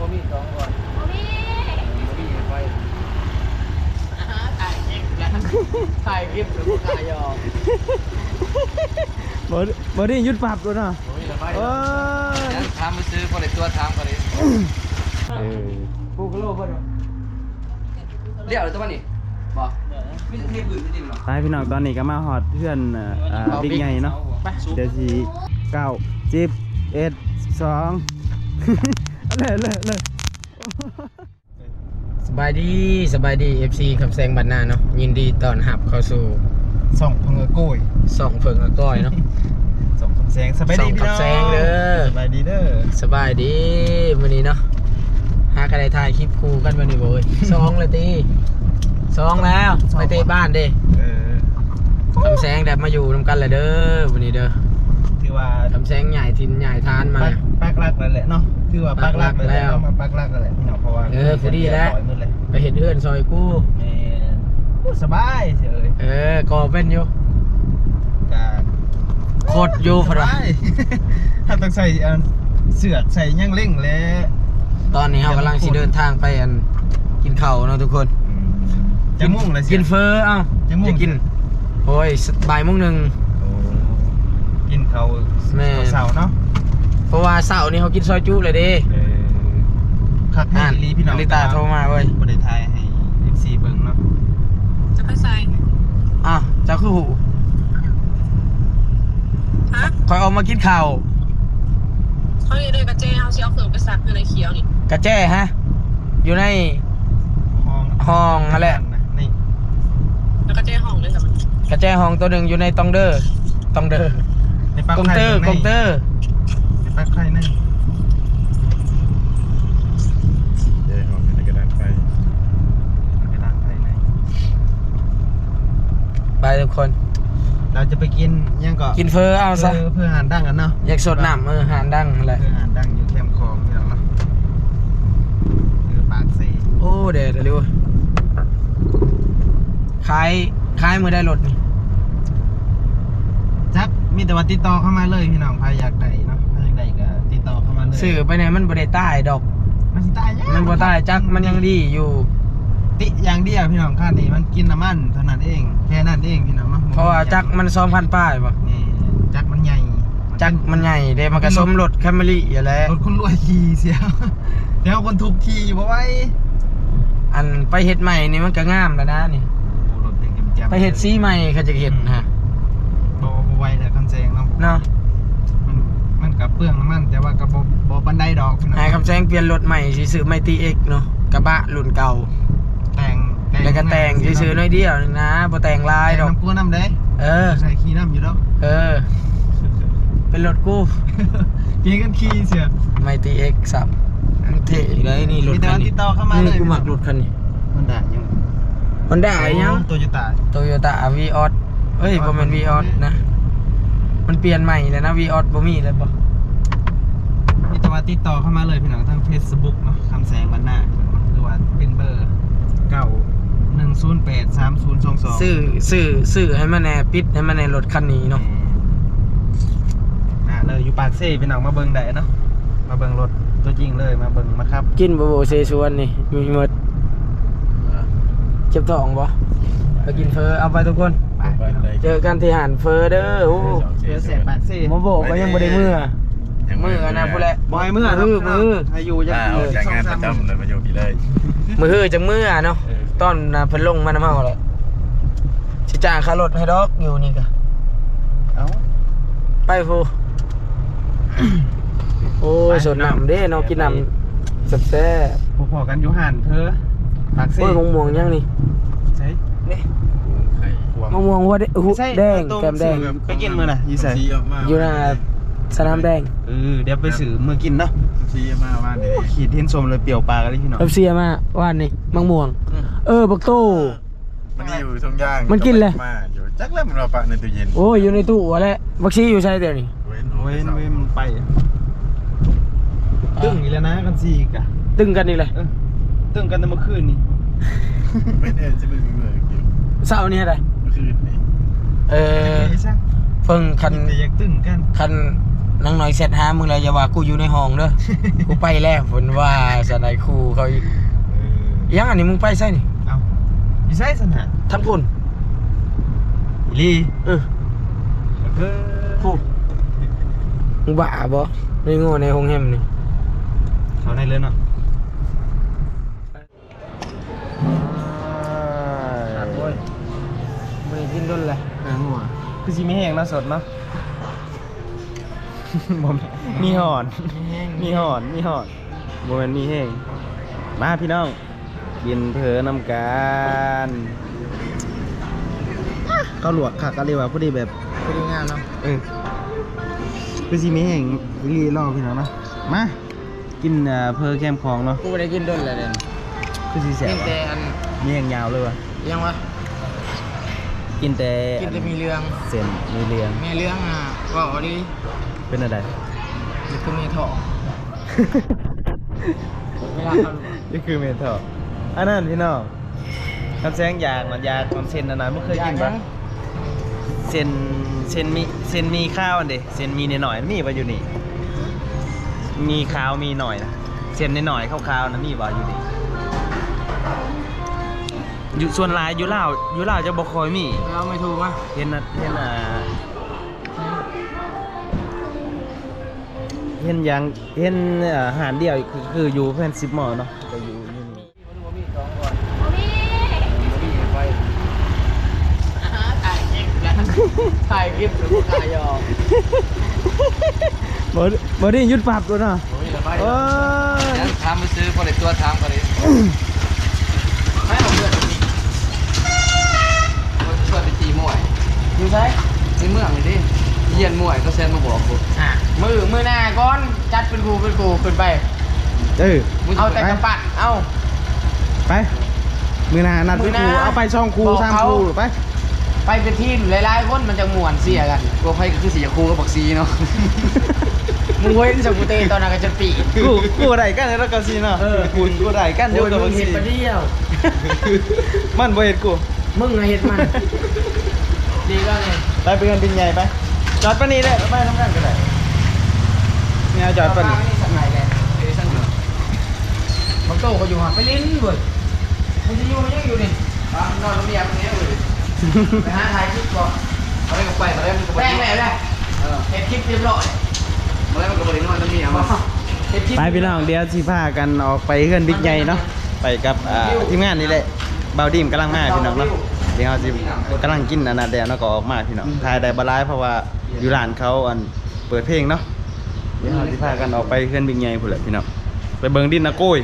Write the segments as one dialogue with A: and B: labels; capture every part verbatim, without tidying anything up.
A: มีสองก่อนบ่มีบ่มีไปถ่ายคลิปแล้วถ่ายคลิปหรือว่าถ่ายยอม
B: บ่บ่ได้ยุดปรับตัวเนาะ
A: เออทำมาซื้อพอได้ตัวทำก็ได้
B: เออ
A: ปูกโลเพิ่นเรียกอะไรตัวนี้บ่มีเทปืนจริงหรอ
B: ไปพี่น้องตอนนี้ก็มาฮอดเพื่อนอ่าบิ๊กใหญ่เนาะเดี๋ยวสิเก้า สิบ เอ็ด สองเลยเลยเลย
C: สบายดีสบายดี เอฟ ซี คำแซงบ้านนาเนาะยินดีต้อนรับเข้าสู่
B: ส่องเพิงโก้ย
C: ส่องเพิงอก้อยเนาะ
B: ส่องคำแซงสบายดีพี่น้อง
C: ส่องคำแซงเด้อ
B: สบายดีเด้อ
C: สบายดีมื้อนี้เนาะหากระไดถ่ายคลิปคู่กันวันนี้บ่เอ้ยสองเลยตีสองแล้วไปเตะบ้านเด้
B: เออ
C: คำแซงได้มาอยู่นำกันเลยเด้อวันนี้เด้อ
B: ถือว่า
C: คำแซงใหญ่ทินใหญ่ทานมา
B: ปักหลักแล้วแหละเนาะถือว่าปักหลักแล้วมาปักหลักแล้วแหละพี่น้องเพราะว่า
C: เออพอดีแล้วไปเห็นเพื่อนซอยกู้
B: แม่สบายเฉย
C: เออก็เป็นอยู่โคตรอยู่พอดี
B: ถ้าต้องใส่เสือกใส่ย่างเล่งแล้ว
C: ตอนนี้เรากำลังสิเดินทางไปอันกินข้าวเนาะทุกคน
B: จะมุ่งเลย
C: กินเฟอเอ้าจะกินโอ้ยบ่ายโมงหนึ่ง
B: กินข้าวเสาเนาะ
C: เพราะว่าเสาร์นี้เขากินซอยจุเลยดิ
B: คักแน่ลีพี่น้อง
C: ลิตาโทรมาเว้ย
B: บริไทยให้เอฟซีเบิ่งเนาะ
D: จะไปใส่
C: อ่ะเจ้าคือหู
D: ฮะ
C: คอยออกมากินข้าว
D: เขาอยู่ในกระเจ้เขาเชียวเขือไปสักอยู่ในเขียวนี่
C: กระเจ้ฮะอยู่ใน
B: ห้อง
C: ห้องนั่นแหละ
B: นี่
D: แล้วกระเจ้ห้องเลยสิมัน
C: กระเจ้ห้องตัวหนึ่งอยู่ในตองเดอร์ตองเดอร์กงเตอร์กงเตอร์
B: ในปลั๊กไฟนั่นเดี๋ยวห้องในกระดานไฟกระดานไฟไหน
C: ไปทุกคน
B: เราจะไปกินยังก็
C: กินเฟอเอาซะ
B: เพื่อหานดังกันเนาะ
C: อยากสดน้ำเออหานดังอะไร
B: เพื่อหานดังอยู่แคมป์คลองนี่เนาะคือปากเซ่
C: โอ้เดี๋ยวเร็วขายขายมือได้รถนี่
B: จักมีแต่ว่าติดต่อเข้ามาเลยพี่น้องใครอยากได้เนาะใครอยากได้ก็ติดต่อเข้ามาเลย
C: สื่อไปไหนมันบ่ได้ใต้ดอก
B: มันสิใต้ยัง
C: มันบ่ใต้จักมันยังดีอยู่
B: ติอย่างเดียวพี่น้องค่านี้มันกินน้ำมันเท่านั้นเองแค่นั้นเองพี่น้อง
C: เพราะว่าจักมันสองพันป้ายป่ะ
B: นี่จักมันใหญ่
C: จักมันใหญ่เด้มันก็สมรถแคมรี่อย่าแล้ว
B: รถคนรวยขี่เสียเดี๋ยวคนถูกขี่บ่ไว้
C: อันไปเฮ็ดใหม่นี่มันก็งามแล้วนะนี่ไปเฮ็ดสีใหม่เขาจะเฮ็ดฮะ
B: บ่บ่ไว้แต่คำแซงเนาะ
C: เนาะ
B: มันมันก็เปลืองน้ำมันแต่ว่าก็บ่บ่ปานใดดอก
C: ให้คำแซงเปลี่ยนรถใหม่สิซื้อไมตี X เนาะกระบะรุ่นเก่า
B: แต่ง
C: แล้วก็แต่งซื้อๆน้อยเดียวนึงนะบ่แต่งลายดอก
B: น้ำกู้น้ำเด้
C: เออ
B: ใส่ขี้น้ำอยู่ดอก
C: เออเป็นรถกู้
B: กินกันขี้เสีย
C: ไมตี X สับเท่เลยนี่รถคันนี้
B: ติดต่อเข้ามาเลย
C: กูมักรถคันนี้
B: มันได้ยัง
C: มันได้ยัง
B: Toyota
C: Toyota Vios เอ้ยบ่แม่น Vios นะมันเปลี่ยนใหม่แล้วนะ Vios บ่มีเลยบ่
B: มีแต่ว่าติดต่อเข้ามาเลยพี่น้องทาง Facebook เนาะคำแสงบ้านนาหรือว่าเป็นเบอร์เก้า หนึ่ง ศูนย์ แปด สาม ศูนย์ สอง สอง
C: ซื้อซื้อซื้อให้มันแน่ปิดให้มันในรถคันนี้เนาะ
B: อ่ะเลยอยู่ปากเซ่พี่น้องมาเบิ่งได้เนาะมาเบิ่งรถตัวจริงเลยมาเบิ่งมาครับ
C: กินบ่โบเซชวนนี่มีหมดเจ็บท้องบ่ไปกินเฟอเอาไปทุกคนเจอกันที่หานเฟอเด้อโอ้
B: เฟอแสบปากเซ่
C: มาโบก็ยังบ่ได้มื้อมื้อนะพุ่นแหละ
B: บ่ให้มื้อ
C: มื้อมื้อ
B: ให้อยู่จัง
A: เอาจากงานประจำเลยมาอยู่พี่เลย
C: มื้อจังมื้อเนาะตอนเพิ่นลงมานำเฮาแหละสิจ้างค่ารถให้ดอกอยู่นี่ก็
B: เอ้า
C: ไปพูโอ้ยสดน้ำเด้เนาะกินน้ำแซ่
B: บพอๆกันอยู่หานเธอปากเซ่
C: โอ้ยมะม่วงยังนี่
B: ใช่
C: นี่มะม่วงว่าแดงแก้มแดง
B: ไปกินมื้อน่ะอยู่ไส
C: อยู่น่ะสนามแดง
B: เออเดี๋ยวไปซื้อมื้อกินเนาะ
A: ซีมาว่านนี่
B: ขีดเห็นสมเลยเปรี้ยวปากเลยพี่น้อง
C: เอฟซีมาว่านนี่มะม่วงเออบักโต
A: มันอยู่ทุ่งย่าง
C: มันกินเลย
A: มาอยู่จักแล้วมันเอาปะในตู้เย็น
C: โอ้ยอยู่ในตู้อะไรบักซีอยู่ใช่เดี๋ยวนี้
B: เว้นเว้นเว้นมันไปตึ้งอีกแล้วนะกันซีกะ
C: ตึ้งกันนี่เลย
B: ตึ้งกันแต่เมื่อคืนนี่
A: ไม่แน่จะเป็นเมื่อกี้
C: เสาร์นี้อะไร
A: เมื่อคืนนี่
C: เออเพิ่งคัน
B: อยากตึ้งกัน
C: คันนางน้อยเสร็จหามึงแล้วอย่าว่ากูอยู่ในห้องเด้อ กูไปแล้วเพิ่นว่าสนายครูเขาอีกยังอันนี้มึงไปใช่นี่
B: เอ้าอยู่ไสซั่นน่ะ
C: ทั้งพุ่น
B: อีหลี
C: เออ
B: เออ
C: พูดมึงบ้าบ่ไม่โง่ในห้องแฮมนี่
B: เข้าได้เลยเนาะ
C: โอ้ยบ่ได้กินดนเลยหาหัว
B: คือสิมีแห้งเนาะสดเนาะ บ่มีหอน มีหอนมีหอนบ่แม่นมีแห้งมาพี่น้องกินเผลอนำกันข้าวหลวกค่ะก็เรียกว่าพอดีแบบ
C: พอดีงามเนาะ
B: เออคือสิมีแห้งรีรอพี่น้องเนาะมากินเอ่อเพอแคมของเนาะ
C: กูบ่ได้กินดนเลยเด่น
B: คือสิแส
C: กิ
B: บ
C: นแต่อัน
B: มีแห้งยาวเลยว่ะ
C: ยังวะ
B: กินแต่
C: กินแต่มีเรื่อง
B: เส้นมีเรียง
C: มีเรื่องอ่ะว่าเอาดิ
B: เป็นอะไร
C: นี่คือมีทองเวลาเขา
B: นี่คือเมทัลอันนั้นพี่น้องคำแซงยางมันยางความเส้นอันนั้นไม่เคยกินปะเส้นเส้นมีเส้นมีข้าวอันเดเส้นมีหน่อยๆมีปะอยู่นี่มีข้าวมีหน่อยนะเส้นหน่อยๆข้าวๆนะมีปะอยู่นี่อยู่ส่วนหลายอยู่ลาวอยู่ลาวจะบ่คอยมี
C: เราไม่ถูกมั้ย
B: เห็นนะเห็นอ่าเห็นอย่างเห็นอาหารเดียวคือคืออยู่เพื่อนสิบหมอเนาะก็อยู่อยู่นี่
C: ถ่ายคลิปแล้วถ่ายคลิปหรือถ่ายยอม
B: บอดบอดี้ยุดปรับด้วยเนาะ
A: โอ้ยละไป
B: โอ้ย
A: ถามมาซื้อพอได้ตัวถามก็เลยไม่เอาเพื่อนนี่เพื่อนไปตีมวย
C: อยู่ไหน
A: ในเมืองนี่ดิเยียนมวยก็แซนมาบอกกู
C: อ่ะมือมือหน้าก้อนจัดเป็นกูเป็นกูขึ้นไป
B: เออ
C: เอาแต่กระปั้นเอา
B: ไปมือหนานัด
C: มื
B: ไป
C: อห
B: ค
C: น้า
B: รูเอาไปช่องครู
C: บอก
B: สาม
C: เขา
B: ครูไป
C: ไปเป็นทีมหลายๆคนมันจะม่วนเสียกัน
A: กูให้ก็คือสีคูกับบักซีเนาะ
C: มึงเว้นสกุเตตอนนั้นก็จะปี
B: กูกูได้กันแล้วก็ซีเนาะกูกูได้กันเดียวกับ
C: มึ
B: บั
C: ง
B: ก
C: เห็
B: ซี
C: นปะเดียว
B: มันบ่เห็นกู
C: มึงอะเห็นมันดีก็เลย
B: ไปไปกันบินใหญ่ไปจอดปะนี้เลยไปทำงานกันได้เนี่ยจอดปะนี้
C: นี่สักไหนเลย
A: เอ้ยสั่งเถอะ
C: บางโตก็อยู่ห่างไปลิ้นเว้ยมึงจะอยู่มันยังอยู่นี่
A: บ้านนอนโรงเรียนตรงนี้เลย
C: ไปหาถ่ายคลิปก่อน
A: เอาได้ก็ไปมาได้มันก็ไป
C: แป้งแม่เลย
A: เออ
C: เห็นคลิปเรียบร้อย
A: มาได้มันก็ไปนอนตรงนี้อ่ะมา
C: เห็นคลิป
B: ไปพี่น้องเดี๋ยวสิพากันออกไปเฮือนบิ๊กใหญ่เนาะไปกับอ่าทีมงานนี่แหละเบาดีมกำลังมาพี่น้องเนาะเดี๋ยวเราสิกำลังกินอันนั้นเดี๋ยวเราก็ออกมาพี่น้องถ่ายได้บ่หลายเพราะว่าอยู่ร้านเขาอันเปิดเพลงเนาะเดี๋ยวเราสิพากันออกไปเฮือนบิ๊กใหญ่พุ่นแหละพี่น้องไปเบิ่งดินนะโก้ย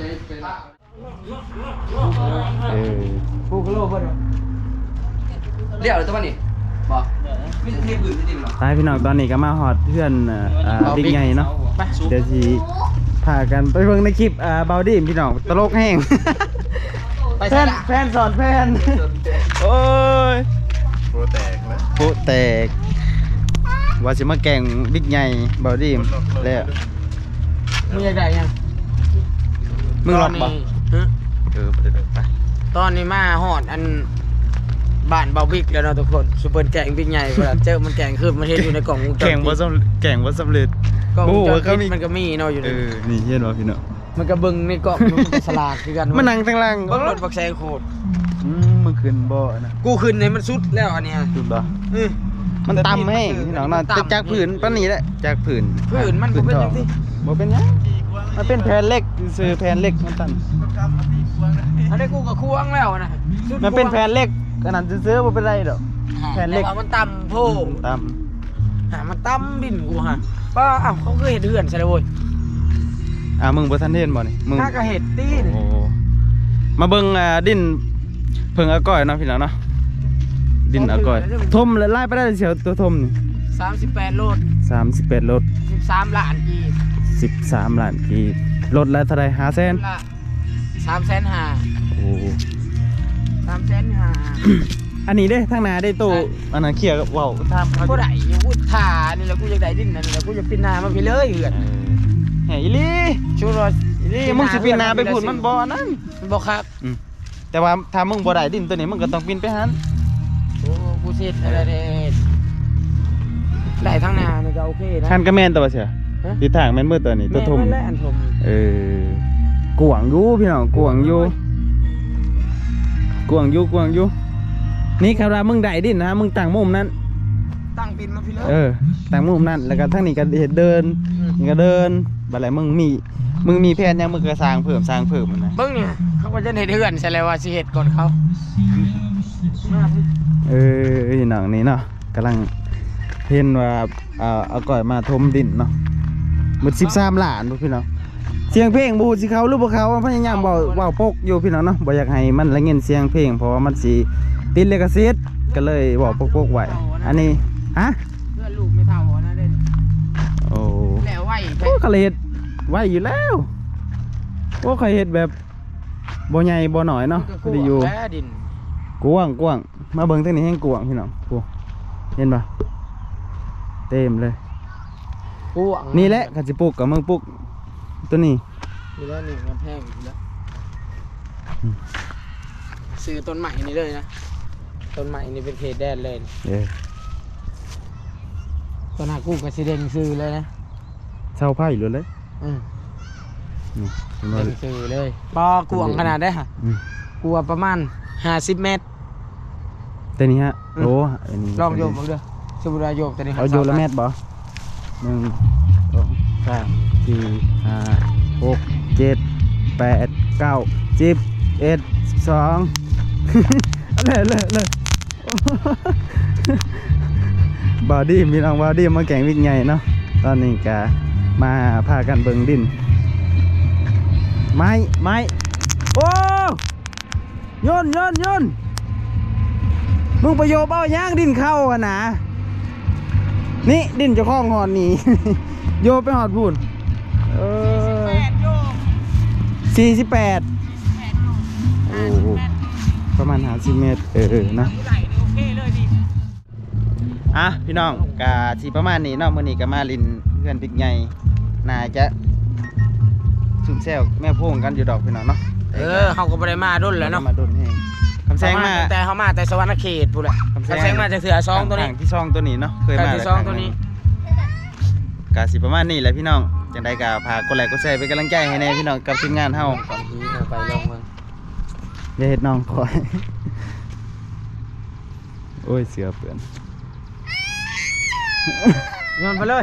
B: เออ
C: กูก็โลภเพิ่น
A: เรียกอะไรตัวนี้บอกไม่ใช่เทพื้นจริงหรอ
B: ไปพี่น้องตอนนี้ก็มาฮอดเพื่อนอ่าอ่าบิ๊กใหญ่เนาะ
C: ไป
B: เดี๋ยวสิพากันไปเบิ่งในคลิปอ่าเบาดีมพี่น้องตลกแห้ง
C: ไป
B: แฟ
C: ใส่
B: น
C: ละ
B: แฟนสอนแฟนโอ้ยโปแตกแล้วโปแตกว่าสิมาแก่งบิ๊กใหญ่เบาดีมแล้ว
C: มึงอยากได้ยัง
B: มึงหลอกบ่
C: ตนนี้ฮะ
B: เออไปเด้อไป
C: ตอนนี้มาฮอดอันบ้านเบาบิ๊กแล้วเนาะทุกคนซูเปอร์แกงบิ๊กใหญ่เวลาเจอมันแกงคือมันเห็นอยู่ในกล่องวงจร
B: แข่งบ่
C: ปิด
B: สำแข่งบ่สำเร็จ
C: กล่องวงจร
B: โอ้ก็
C: ปิด
B: มี
C: มันก็มีเนาะอยู่
B: เอ
C: นี่
B: อนี่เห็นบ่พี่น้อง
C: มันก็เบิ่งในกล่องมันก็สลากคือกัน
B: มันนั่งทางล่าง
C: เบิ่งรถบักแซงโคตร
B: อืมมึงขึ้นบ่นะ
C: กูขึ้นในมันสุดแล้วอันเนี้ย
B: สุดบ่
C: เออ
B: มันต่ำแห้งพี่น้องเนาะ
C: มันต่ำ
B: จากผืนปานนี้แหละจากผืน
C: ผืนมันบ่เป็นจังซี่
B: บ่เป็นหยังมันเป็นแผ่นเหล็กซื้อแผ่นเหล็กมันตัน
C: อันนี้กูก็ควงแล้วนะสุด
B: มันเป็นแผ่นเหล็กอันนั้นซื้อๆบ่เป็นไรดอก แผ่นเหล็ก
C: แต่ว่ามันต่ำโพง
B: ต่
C: หามันต่ำดินกูฮะป้าอ้าวเขาเคยเห็นเหือนใช่เลยเว้ย
B: ำอ่ามึงบ่ทันเห็นบ่นี่มึง
C: ถ้าก็เห็ดตีน
B: โอ้มาเบิ่งอ่าดินเพิ่งอาก้อยเนาะพี่น้องเนาะดินอาก้อยทมแล้วไล่ไปได้เสียวตัวทมนี่
C: สามสิบแปดโลด
B: สามสิบแปดรถ
C: สิบสามล้านกีบ
B: สิบสามล้านกีบรถละเท่าไหร่ห้าแสน
C: ละสามแสนห้า
B: โอ้
C: สามแสนห้า
B: อันนี้เด้ทางหน้าได้ตู้
C: ใช่
B: อันนั้นเคลียร์กับเว้าถามเขา
C: กูได้อยู่กูถ่านี่แหละกูอยากได้ดินนั่นแหละกูจะปีนนามาพี่เลยเหือน
B: เออแหอีหลี
C: ชูรส
B: อีหลีมึงสิปีนหน้าไปพูดมันบ่อันนั้น
C: บอกครับ
B: อืมแต่ว่าถ้ามึงบ่ได้ดินตัวนี้มึงก็ต้องปีนไปหัน
C: โอ้กูเสร็จอะไรเนี่ยได้ทั้งหนานี่ก็โอเคนะ
B: คันก็แม่นตัวเสีย
C: ฮะ
B: ทิศทางแม่นมืดตัวนี้ตัวทุ่ม
C: แม่นและอันทม
B: เออกวางอยู่พี่น้องกวางอยู่กวางอยู่กวางอยู่นี่ครับว่ามึงได้ดินนะมึงตั้งมุมนั้น
C: ตั้งปินมาพี่เลิศ
B: เออตั้งมุมนั้นแล้วก็ทั้งนี้ก็เฮ็ดเดินนี่ก็เดินบัดไรมึงมีมึงมีแผนยังมึงก็สร้างเพิ่มสร้างเพิ่มมันนะ
C: เบิ่งเนี่ยเขาก็จะเฮ็ดเฮือนใช่แล้วว่าสิเฮ็ดก่อนเขา
B: เออพี่น้องนี่เนาะกำลังเห็นว่าเอาเอาก่อยมาทมดินเนาะหมดสิบสามล้านบ่พี่น้องเสียงเพลงบ่ฮู้สิเขาหรือบ่เขาพยายามเว้าเว้าปกอยู่พี่น้องเนาะบ่อยากให้มันละเงินเสียงเพลงเพราะว่ามันสิติดลิขสิทธิ์ก็เลยเว้าปกๆไว้อันนี้ฮะ
C: เพื่อนลูกไม่เท่านะเด่น
B: โอ้
C: แล้วไหว
B: โอ้เขาเลยเฮ็ดไว้อยู่แล้วโอ้เขาเฮ็ดแบบบ่ใหญ่บ่น้อยเนาะพอดีอยู่
C: แพ้ดิน
B: กว้างกว้างมาเบิ่งทางนี้แห้งกว้างพี่น้องโอ้เห็นปะเต็มเลย
C: กวาง
B: นี่แหละข้าสิปลูกกับมึงปลูกตัวนี้
C: นี่แล้วนี่มันแพงอยู่แล้วซื้อต้นใหม่นี่เลยนะต้นใหม่นี่เป็นเขตแดนเลย
B: เด้อ
C: ต้นหากู้กับสีแดงซื้อเลยนะ
B: เช่าไผ่เลยเลย
C: อืม
B: นี่เห็น
C: แด
B: บ่
C: งซื้อเลยปอกวางขนาดได้ค่ะ
B: อืม
C: กลัวประมาณห้าสิบเมตร
B: ตัวนี้ฮะ
C: อืม
B: โอ้อันนี้
C: ลองโยมเอาเด้อสมุดาโยมตัวนี้
B: เอาโยนละแมตรบ่หนึ่งสองสามสี่ห้าหกเจ็ดแปดเก้าสิบเอ็ดสิบสอง เลยเลยเลยบอดี้มีน้องบอดี้มาแข่งวิ่งใหญ่เนาะตอนนี้กะมาพากันเบิ่งดินไม้ไม้โอ้โยนโยนโยนมึงประโยชน์เอาย่างดินเข้าอะนะนี่ดินเจะคล้าของหอดนี่ โยนไปหอดพูนเออสี่สิบแปดโอ้ประมาณห้าสิบเมตรเออเออเนาะ
C: ไหลโอเคเลยดิ
B: อ่ะพี่น้องกะสีประมาณนี้เนาะมื้อนี้ก็มาลินเพื่อนบิ๊กใหญ่น่าจะสุ่มแซวแม่โพงกันอยู่ดอกพี่น้องเนาะ
C: เออเขาก็บ่ได้มาดุนแล้วเนาะ
B: มาโดนแฮงคำแซงมา
C: แต่เขามาแต่สวรรณเขตพูดแหละคำแซงมาจากเสือซองตัวนี้
B: ทางที่ซองตัวนี้เนาะเคยมา
C: ทางที่ซองตัวนี้
B: กะสิประมาณนี้แหละพี่น้องจังได๋ก็พากดไลค์กดแชร์เป็นกำลังใจให้แน่พี่น้องกับทีมงานเฮา
C: ก่อนทีนะไปลองเมือง
B: อย่าเฮ็ดน้องคอย โอ้ยเสือเปื้อน
C: โยนไปเลย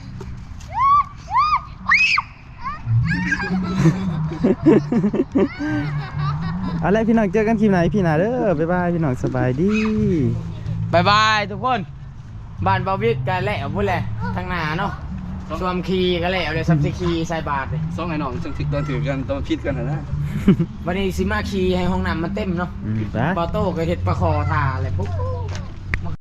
B: เอาละพี่น้องเจอกันคลิปไหนพี่หนาเด้อบ๊ายบายพี่น้องสบายดี
C: บายบายทุกคนบ้านบาวิกกันแล้วพูดแหละทางหน้าเนาะสวมคีกันแล้วเลยซัมซิคีใส่บาทเลย
A: สองไอ้น้องจังสิตอนถือกันตอนพิดกันนะนะ
C: วันนี้ซิมาคีให้ห้องน้ำมันเต็มเนาะ
B: อืมไป
C: ปอโต้ก็เห็ดปลาคอทาอะไรปุ๊บ